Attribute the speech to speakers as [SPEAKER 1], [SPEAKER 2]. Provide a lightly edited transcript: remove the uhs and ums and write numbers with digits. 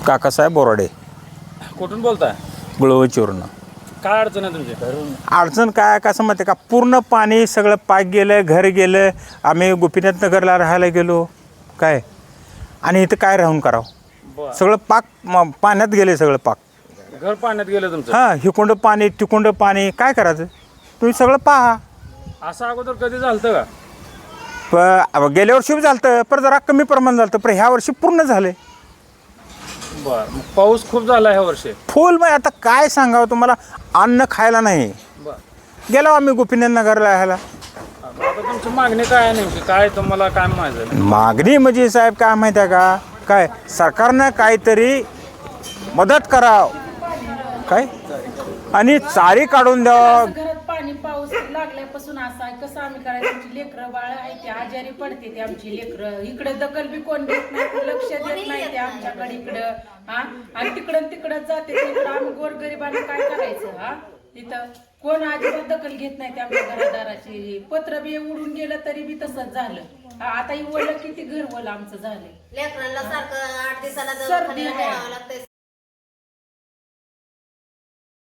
[SPEAKER 1] काकासाहेब बोराडे,
[SPEAKER 2] कुठून बोलताय?
[SPEAKER 1] गुळवचीवरनं.
[SPEAKER 2] काय अडचण आहे तुमची?
[SPEAKER 1] अडचण काय कसं माहिती आहे का, पूर्ण पाणी सगळं पाक गेलं, घर गेलं. आम्ही गोपीनाथ नगरला राहायला गेलो काय, आणि इथं काय राहून करावं. सगळं पाक पाण्यात गेले, सगळं पाक
[SPEAKER 2] घर पाण्यात गेलं तुमचं?
[SPEAKER 1] हां, हिकुंड पाणी तिकुंड पाणी, काय करायचं तुम्ही सगळं पहा.
[SPEAKER 2] असं अगोदर कधी झालं का?
[SPEAKER 1] गेल्या वर्षी बी झालं, पण जरा कमी प्रमाण झालं, पण ह्या वर्षी पूर्ण झाले.
[SPEAKER 2] बरं, मग पाऊस खूप झाला ह्या वर्षी?
[SPEAKER 1] फुल. मग आता काय सांगावं तुम्हाला, अन्न खायला नाही.
[SPEAKER 2] बरं,
[SPEAKER 1] गेलो आम्ही गोपीनाथ नगरला राहायला.
[SPEAKER 2] आता तुमची मागणी काय आहे नेमकी? काय तुम्हाला काय माहिती?
[SPEAKER 1] मागणी म्हणजे साहेब काय माहिती आहे का, काय सरकारनं काहीतरी मदत करावं काय, आणि चारी काढून द्यावं.
[SPEAKER 3] घरात पाणी पाऊस लागल्यापासून असं आहे, कसं आम्ही करायचं? आमची लेकरं बाळ आहे ते आजारी पडते, ते आमची लेकरं इकडे दखल बी कोण देत नाही, लक्ष देत नाही ते आमच्याकडे इकडं. हा, आणि तिकडं जाते तिकडं, आम्ही गोरगरिबांना काय करायचं? हा, तिथं कोण अजिबात दखल घेत नाही ते आमच्या घरादाराची. पत्र बी उडून गेलं तरी बी तसंच झालं. आता ही वळलं किती घर वळलं आमचं झालं.
[SPEAKER 4] लेकरांना सारखं 8 दिवसाला
[SPEAKER 3] सर्दी
[SPEAKER 4] दवाखान्याला न्यावं लागतंय.